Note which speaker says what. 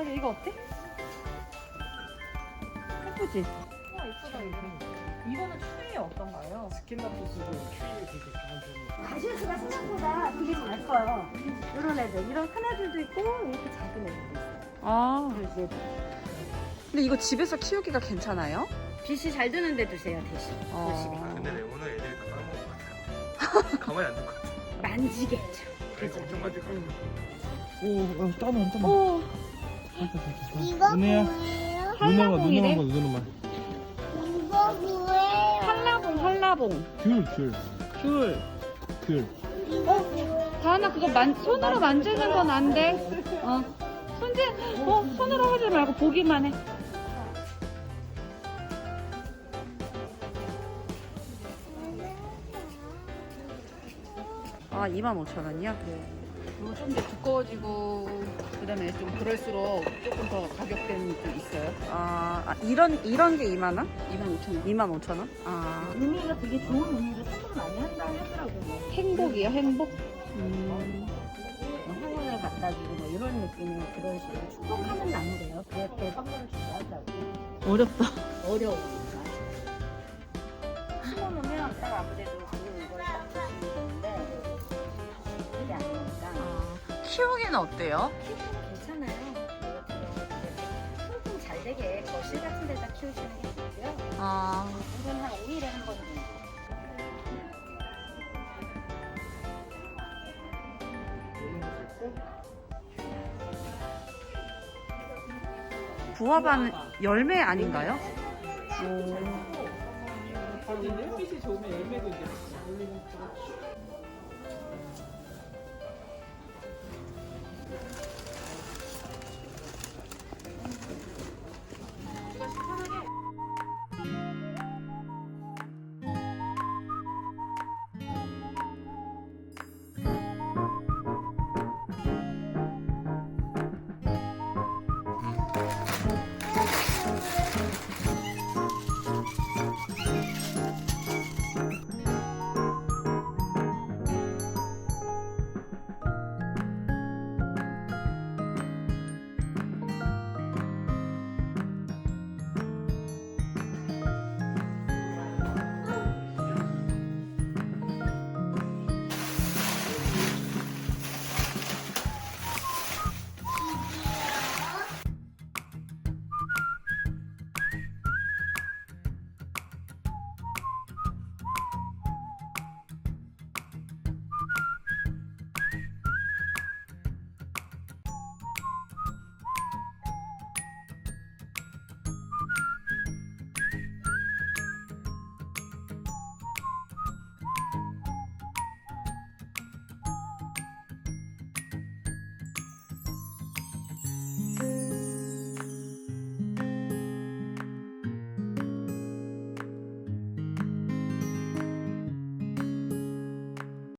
Speaker 1: 자기 이거 어때? 예쁘지?
Speaker 2: 와 이쁘다 이거. 이거는 추위 어떤가요?
Speaker 3: 스킨다프스도 키위에 되게 강한 편이에요.
Speaker 1: 가시수가 생각보다 되게 잘 커요. 이런 애들, 이런 큰 애들도 있고 이렇게 작은 애들도 있어요.
Speaker 4: 아,
Speaker 1: 그래서
Speaker 4: 근데 이거 집에서 키우기가 괜찮아요?
Speaker 1: 빛이 잘 드는 데 두세요 대신. 보시게.
Speaker 3: 근데 레오는 애들이 다 까먹을 것 같아요. 가만히 안 둘 것 같아요.
Speaker 1: 만지겠죠.
Speaker 3: 그래서 엄청 만질 것 같아요.
Speaker 5: 오, 따만 따만.
Speaker 4: 오,
Speaker 6: 이거
Speaker 5: 은혜야.
Speaker 6: 뭐예요?
Speaker 4: 한라봉이래.
Speaker 5: 누나만.
Speaker 6: 이거 뭐예요?
Speaker 4: 한라봉, 한라봉.
Speaker 5: 귤.
Speaker 4: 다은아 그거 손으로 만지는 건 안 돼. 손으로 하지 말고 보기만 해. 아, 25,000원이야? 이거 좀 더 두꺼워지고 그다음에 좀 그럴수록 조금 더 가격대는 좀 있어요. 이런 게 2만 원? 25,000원. 25,000원? 아,
Speaker 1: 의미가 되게 좋은 의미로 선물 많이 한다 하더라고요.
Speaker 4: 행복이요, 행복?
Speaker 1: 행운을 갖다 주고 뭐 이런 느낌의 그런 식으로 축복하는 나무래요. 그렇게 선물을 주고 한다고.
Speaker 4: 어렵다.
Speaker 1: 어려우니까. 심어놓으면 딱 아무래도 그걸 딱 보시면 되는데 그게 아니니까
Speaker 4: 키우기는 어때요?
Speaker 1: 괜찮아요. 통풍 잘 되게 거실 같은 데다 키우시는 게 좋고요.
Speaker 4: 아,
Speaker 1: 이건 한 5일에 한 번 정도.
Speaker 4: 구아바는 열매 아닌가요?
Speaker 3: 햇빛이 좋으면 열매도 이제 올리는